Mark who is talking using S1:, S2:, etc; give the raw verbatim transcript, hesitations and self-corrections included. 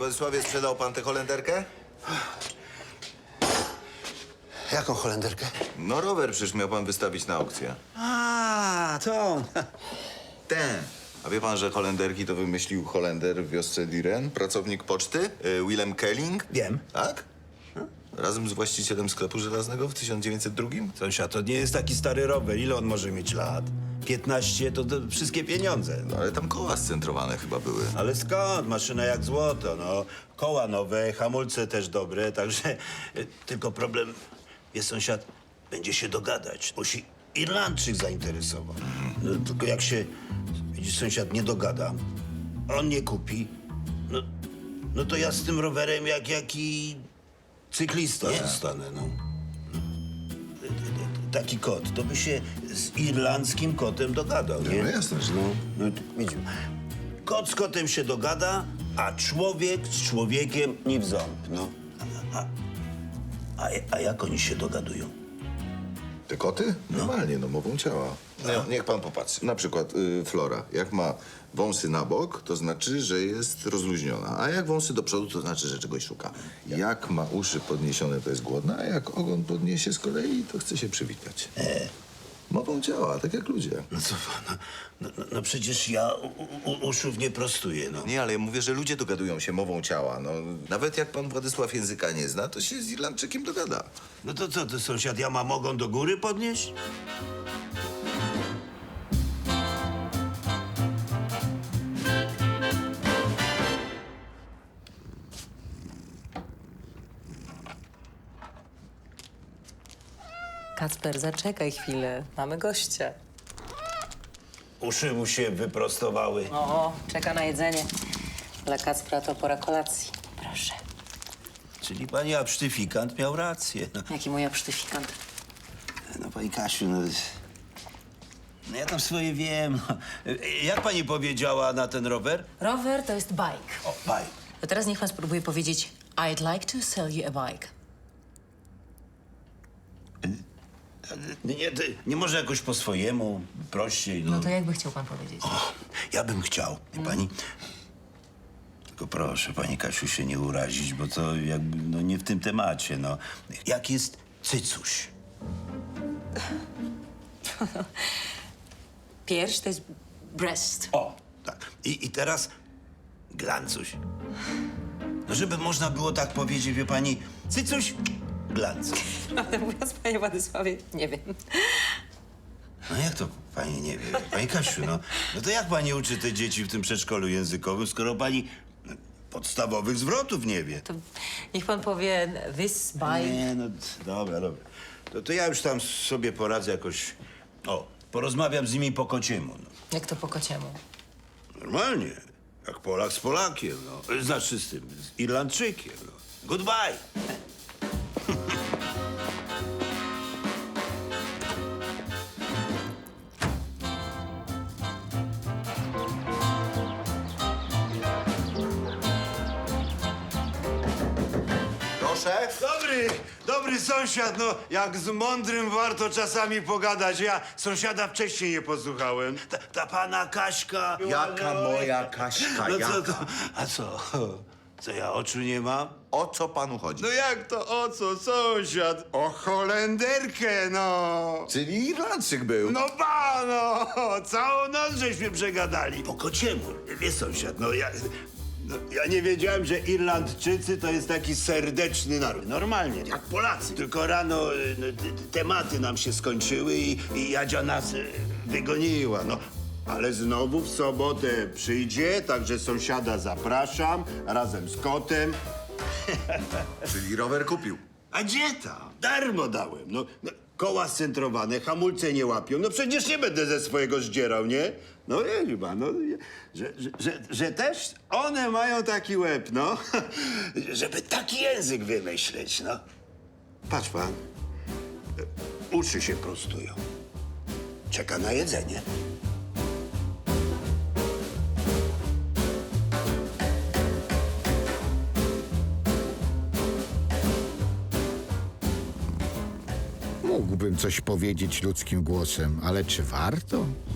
S1: Władysławie, sprzedał pan tę Holenderkę?
S2: Jaką Holenderkę?
S1: No rower przecież miał pan wystawić na aukcję.
S2: A, to.
S1: Ten. A wie pan, że Holenderki to wymyślił Holender w wiosce Diren, pracownik poczty, y, Willem Kelling?
S2: Wiem.
S1: Tak? Razem z właścicielem sklepu żelaznego w tysiąc dziewięćset drugim?
S2: Sąsiad, to nie jest taki stary rower. Ile on może mieć lat? piętnaście to, to wszystkie pieniądze.
S1: No ale tam koła scentrowane chyba były.
S2: Ale skąd? Maszyna jak złoto, no. Koła nowe, hamulce też dobre, także... y, Tylko problem jest, sąsiad, będzie się dogadać. Musi Irlandczyk zainteresował. No, tylko jak się, widzisz, sąsiad nie dogada, on nie kupi, no, no to ja z tym rowerem jak jaki cyklista zostanę, no. Taki kot, to by się z irlandzkim kotem dogadał, nie?
S1: No jasne, że
S2: No, no to widzimy. Kot z kotem się dogada, a człowiek z człowiekiem nie w ząb, no. A, a, a, a jak oni się dogadują?
S1: Te koty? Normalnie, no mową ciała. No, niech pan popatrzy. Na przykład y, Flora. Jak ma wąsy na bok, to znaczy, że jest rozluźniona. A jak wąsy do przodu, to znaczy, że czegoś szuka. Jak ma uszy podniesione, to jest głodna, a jak ogon podniesie z kolei, to chce się przywitać. Mową ciała, tak jak ludzie.
S2: No co pan, no, no, no przecież ja u, u, uszów nie prostuję, no.
S1: Nie, ale ja mówię, że ludzie dogadują się mową ciała. No, nawet jak pan Władysław języka nie zna, to się z Irlandczykiem dogada.
S2: No to co, ty sąsiad, ja mam ogon do góry podnieść?
S3: Kacper, zaczekaj chwilę. Mamy gościa.
S2: Uszy mu się wyprostowały.
S3: O, czeka na jedzenie. Dla Kacpra to pora kolacji. Proszę.
S2: Czyli pani absztyfikant miał rację. No,
S3: Jaki mój absztyfikant?
S2: no pani Kasiu, no... No ja tam swoje wiem. No. Jak pani powiedziała na ten rower?
S3: Rower to jest bike.
S2: O, baj.
S3: To teraz niech pan spróbuje powiedzieć I'd like to sell you a bike.
S2: Nie, ty, nie może jakoś po swojemu, prościej, no.
S3: No to jakby chciał pan powiedzieć?
S2: O, ja bym chciał, wie pani? Tylko proszę, pani Kasiu, się nie urazić, bo to jakby, no nie w tym temacie, no. Jak jest cycuś?
S3: Pierś to jest breast.
S2: O, tak. I, i teraz glancuś. No żeby można było tak powiedzieć, wie pani, cycuś, glancuś.
S3: Prawdę mówiąc, panie Władysławie, nie wiem.
S2: No jak to pani nie wie? Pani Kasiu, no, no to jak pani uczy te dzieci w tym przedszkolu językowym, skoro pani no, podstawowych zwrotów nie wie?
S3: To niech pan powie this bike.
S2: Nie, no dobra, dobra. To, to ja już tam sobie poradzę jakoś. O, porozmawiam z nimi po kociemu. No.
S3: Jak to po kociemu?
S2: Normalnie. Jak Polak z Polakiem, no. Znaczy z tym, z Irlandczykiem, no. Goodbye.
S1: Proszę?
S4: Dobry, dobry sąsiad, no jak z mądrym warto czasami pogadać. Ja sąsiada wcześniej nie posłuchałem.
S2: Ta, ta pana Kaśka.
S1: Jaka moja Kaśka,
S2: No
S1: jaka?
S2: co to? A co? Co ja oczu nie mam?
S1: O co panu chodzi?
S4: No jak to, o co, sąsiad? O Holenderkę, no.
S1: Czyli Irlandczyk był.
S4: No ba, no, całą noc żeśmy przegadali.
S2: Po kociemu.
S4: Wie sąsiad, no ja... No, ja nie wiedziałem, że Irlandczycy to jest taki serdeczny naród. Normalnie, jak Polacy. Tylko rano y, no, t- t- tematy nam się skończyły i, i Jadzia nas y, wygoniła, no. Ale znowu w sobotę przyjdzie, także sąsiada zapraszam razem z kotem.
S1: Czyli rower kupił.
S4: A gdzie tam? Darmo dałem. No, no, koła scentrowane, hamulce nie łapią. No przecież nie będę ze swojego zdzierał, nie? No nie chyba, no. Że, że, że, że też one mają taki łeb, no. Żeby taki język wymyśleć, no. Patrz pan. Uszy się prostują. Czeka na jedzenie.
S5: Mógłbym coś powiedzieć ludzkim głosem, ale czy warto?